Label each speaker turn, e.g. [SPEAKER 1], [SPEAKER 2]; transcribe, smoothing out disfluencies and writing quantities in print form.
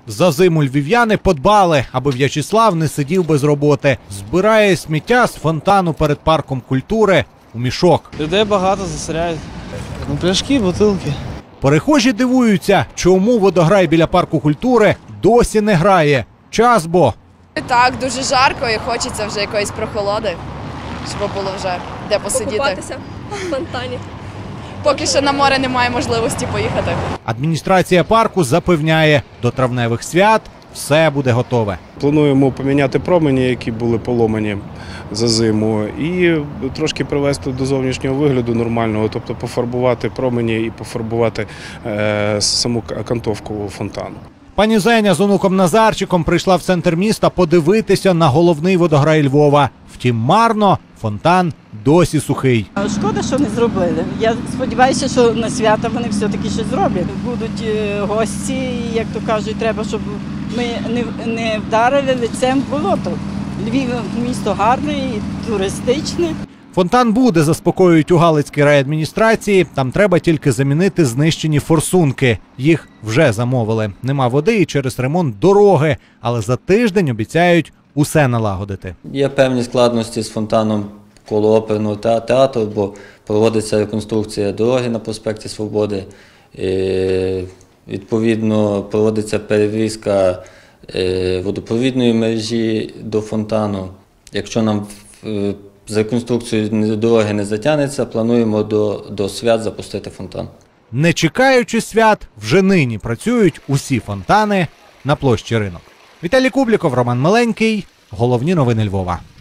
[SPEAKER 1] За зиму львів'яни подбали, аби В'ячеслав не сидів без роботи. Збирає сміття з фонтану перед парком культури у мішок.
[SPEAKER 2] Людей багато засоряють. Пляшки, бутилки.
[SPEAKER 1] Перехожі дивуються, чому водограй біля парку культури досі не грає. Час бо.
[SPEAKER 3] Так, дуже жарко і хочеться вже якоїсь прохолоди, щоб було вже де посидіти.
[SPEAKER 4] Покупатися в фонтані.
[SPEAKER 3] Поки що на море немає можливості поїхати.
[SPEAKER 1] Адміністрація парку запевняє, до травневих свят все буде готове.
[SPEAKER 5] Плануємо поміняти промені, які були поломані за зиму, і трошки привести до зовнішнього вигляду нормального, тобто пофарбувати промені і пофарбувати саму окантовку фонтану.
[SPEAKER 1] Пані Зеня з онуком Назарчиком прийшла в центр міста подивитися на головний водограй Львова. Втім, марно, фонтан досі сухий.
[SPEAKER 6] Шкода, що не зробили. Я сподіваюся, що на свята вони все-таки щось зроблять. Будуть гості, і, як то кажуть, треба, щоб ми не вдарили лицем в болото. Львів місто гарне і туристичне.
[SPEAKER 1] Фонтан буде, заспокоюють у Галицькій райадміністрації. Там треба тільки замінити знищені форсунки. Їх вже замовили. Нема води і через ремонт дороги. Але за тиждень обіцяють усе налагодити.
[SPEAKER 7] Є певні складності з фонтаном коло оперного театру, бо проводиться реконструкція дороги на проспекті Свободи. Відповідно, проводиться перевізка водопровідної мережі до фонтану. Якщо нам з реконструкцією дороги не затягнеться, плануємо до свят запустити фонтан.
[SPEAKER 1] Не чекаючи свят, вже нині працюють усі фонтани на площі Ринок. Віталій Кубліков, Роман Миленький. Головні новини Львова.